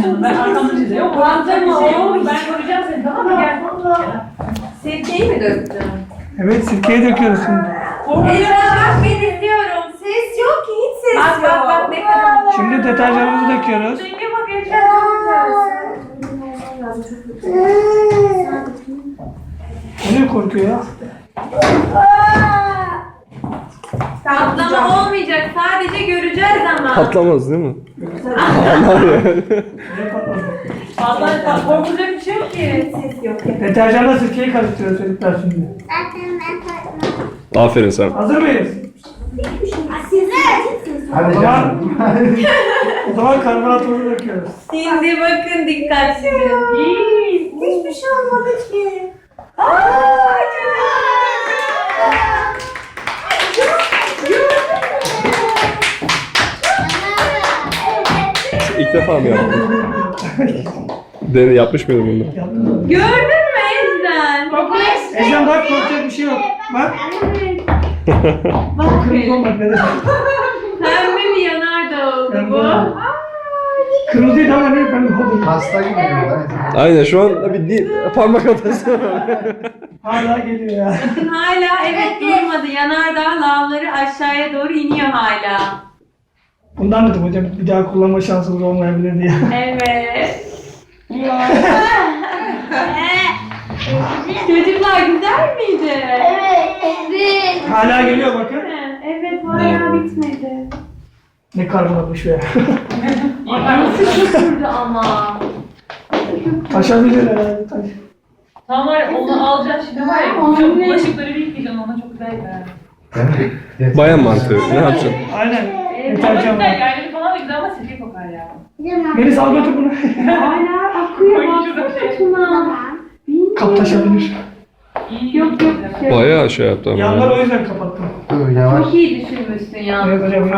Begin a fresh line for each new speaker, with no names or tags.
yanına. Ben arkamda çizeyim. Yok
Fazla mı?
ben koruyacağım seni, tamam mı? Gel.
Sirkeyi mi döktün?
Evet, sirkeyi döküyoruz şimdi.
Esra bak ben izliyorum. Ses yok ki, hiç ses yok. Bak ne kadar.
Şimdi deterjanımızı döküyoruz.
Renge bak Ecem, çok güzel.
O ne korkuyor ya?
Patlama olmayacak, sadece göreceğiz ama.
Patlamaz değil mi?
Ne patladı?
Vallahi korkulacak bir şey yok ki.
Ses yok.
Deterjanla sirkeyi karıştırıyoruz çocuklar şimdi.
Aferin sen.
Hazır mıyız?
Hadi
O zaman,
canım.
o zaman karbonatımızı döküyoruz.
Şimdi bakın dikkatli. Hiçbir şey olmadı ki.
İlk defa mı yaptın? Deni yapmış mıydın bunu?
Gördün mü Ezden?
Ecem bak, korkacak bir şey yok. Bak.
Bak.
Kırmızı olmak ne demek?
Pembe bir yanardağ oldu bu.
Kırmızıydı ama ne pembe oldu.
Hasta gibi diyorlar.
Aynen şu an bir parmak atası.
Hala geliyor ya.
Bakın hala evet durmadı. Yanardağ lavları aşağıya doğru iniyor hala.
Bundan dedim hocam, bir daha kullanma şansımız olmayabilir diye.
Evet. Çocuklar güzel miydi?
Evet.
Hala geliyor bakın.
Evet hala bitmedi.
Ne karbonatmış be.
Nasıl götürdü ama?
Taşabilir herhalde taş.
Tamam var ya, onu alacaksın şimdi var ya. Çok bulaşıkları bir yıkayacaksın, ona çok güzel gider.
Bayan mantığı. Ne yapacaksın?
Aynen.
Ama
Deterjan
güzel,
var.
yani falan da güzel ama sirke kokar ya.
Melis al götür bunu.
Hala akıyor baksana Tuna.
Kap taşabilir.
İyi.
Yok yok.
Bayağı şey yaptı ama.
Yanları o yüzden kapattım.
Dur yavaş.
Çok iyi düşünmüşsün ya.
Evet hocam.